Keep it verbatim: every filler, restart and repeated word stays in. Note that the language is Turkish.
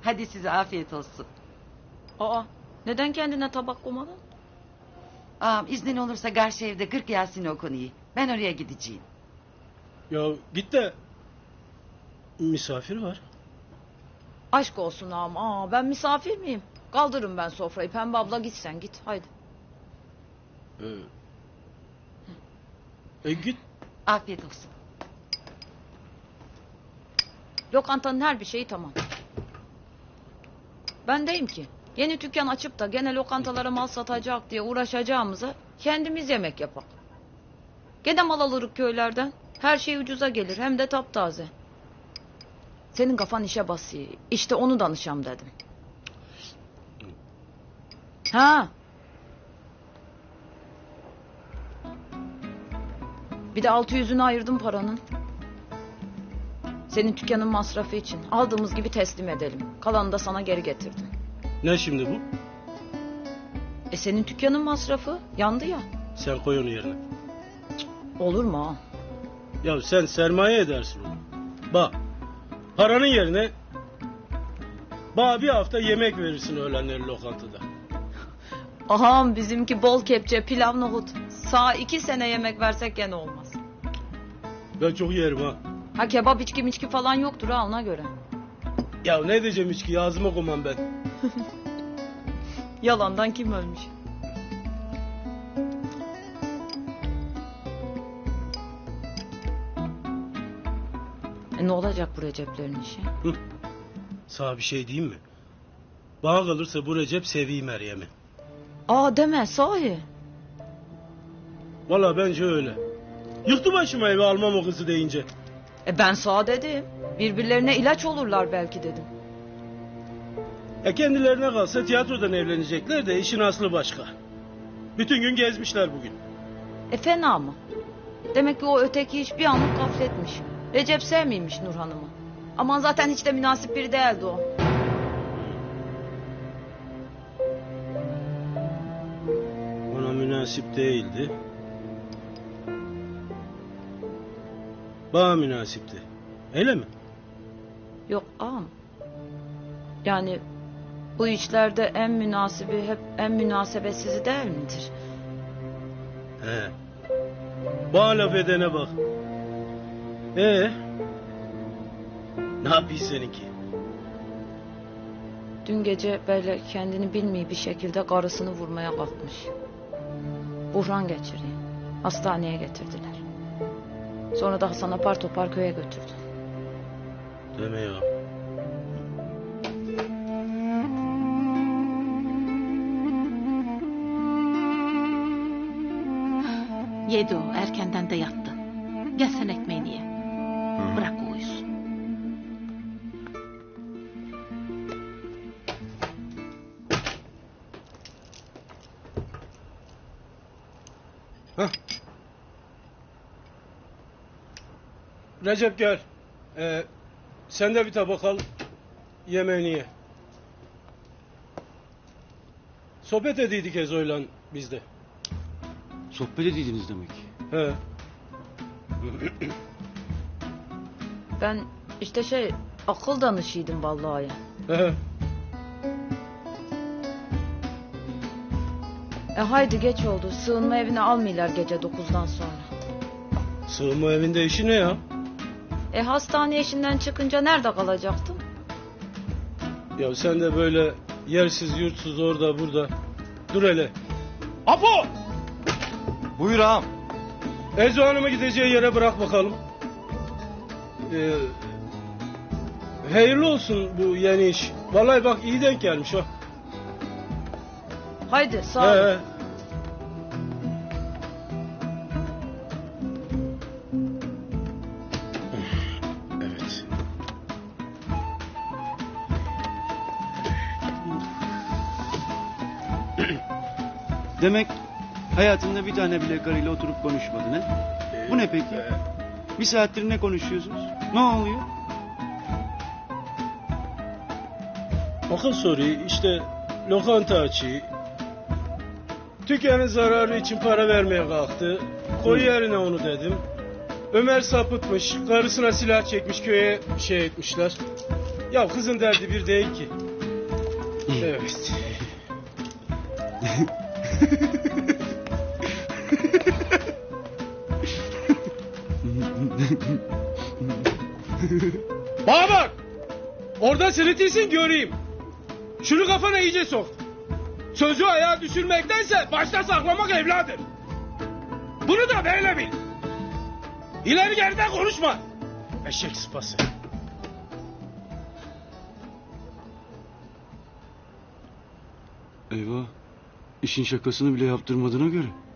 Hadi size afiyet olsun. Aa, neden kendine tabak koymadın? Ağam iznin olursa karşı evde kırk Yasin okunuyor. Ben oraya gideceğim. Ya git de misafir var. Aşk olsun ağam. Aa, ben misafir miyim? Kaldırırım ben sofrayı. Pembe abla git sen git. Haydi. Ee, e git. Afiyet olsun. Lokantanın her bir şeyi tamam. Ben deyim ki yeni dükkan açıp da gene lokantalara mal satacak diye uğraşacağımıza kendimiz yemek yapak. Gene mal alırız köylerden. Her şey ucuza gelir hem de taptaze. Senin kafan işe basıyor. İşte onu danışam dedim. Ha. Bir de altı yüzünü ayırdım paranın. Senin dükkanın masrafı için. Aldığımız gibi teslim edelim. Kalanını da sana geri getirdim. Ne şimdi bu? E senin dükkanın masrafı yandı ya. Sen koy onu yerine. Olur mu ha? Ya sen sermaye edersin onu. Bak. Paranın yerine bana bir hafta yemek verirsin öğlenleri lokantada. Aham bizimki bol kepçe pilav nohut. Sağ iki sene yemek versek gene olmaz. Ben çok yerim ha. Ha kebap içki miçki falan yoktur ha ona göre. Ya ne diyeceğim içki ağzıma koymam ben. Yalandan kim ölmüş? E ne olacak bu Recep'lerin işi? Hı. Sana bir şey diyeyim mi? Bana kalırsa bu Recep seviyor Meryem'i. Aa deme sahi. Valla bence öyle. Yıktı başıma evi almam o kızı deyince. E ben sağ dedim. Birbirlerine ilaç olurlar belki dedim. E kendilerine kalsa tiyatrodan evlenecekler de işin aslı başka. Bütün gün gezmişler bugün. E fena mı? Demek ki o öteki iş bir anlık gafletmiş. Recep sevmiymiş Nur Hanım'ı. Aman zaten hiç de münasip biri değildi o. Ona münasip değildi. Bana münasipti. Öyle mi? Yok ağam. Yani bu işlerde en münasibi hep en münasebetsizi değil midir? He. Bana laf edene bak. Ee? Ne yapayım seninki? Dün gece böyle kendini bilmeyi bir şekilde karısını vurmaya kalkmış. Buhran geçiriyor. Hastaneye getirdiler. Sonra da Hasan apar topar köye götürdü. Deme ya. Yedi o, erkenden de yattı. Gel sen ekmeğini ye. Bırak o uyusun. Hah. Recep gel. Ee, sen de bir tabak al. Yemeğini ye. Sohbet ediydik Ezo'yla biz de. Sohbet ediydiniz demek. He. Ben işte şey akıl danışıydım vallahi. He. E haydi geç oldu. Sığınma evine almıyorlar gece dokuzdan sonra. Sığınma evinde işi ne ya? E hastane işinden çıkınca nerede kalacaktım? Ya sen de böyle yersiz yurtsuz orada burada. Dur hele. Apo! Buyur ağam. Ezo Hanım'ı gideceği yere bırak bakalım. Ee, hayırlı olsun bu yeni iş. Vallahi bak iyi denk gelmiş ha. Haydi sağ ol. He. Evet. Demek hayatında bir tane bile karıyla oturup konuşmadın ha? Bu ne peki? Bir saattir ne konuşuyorsunuz? Ne oluyor? Akıl soruyu işte lokanta açıyı. Dükkanın zararı için para vermeye kalktı. Koy yerine onu dedim. Ömer sapıtmış. Karısına silah çekmiş köye şey etmişler. Ya kızın derdi bir değil ki. Evet. Bana bak! Orada sırıtıyorsun göreyim. Şunu kafana iyice sok. Sözü ayağa düşürmektense başta saklamak evladır. Bunu da böyle bil. İleri geriden konuşma. Eşek sıpası. Eyvah. İşin şakasını bile yaptırmadığına göre.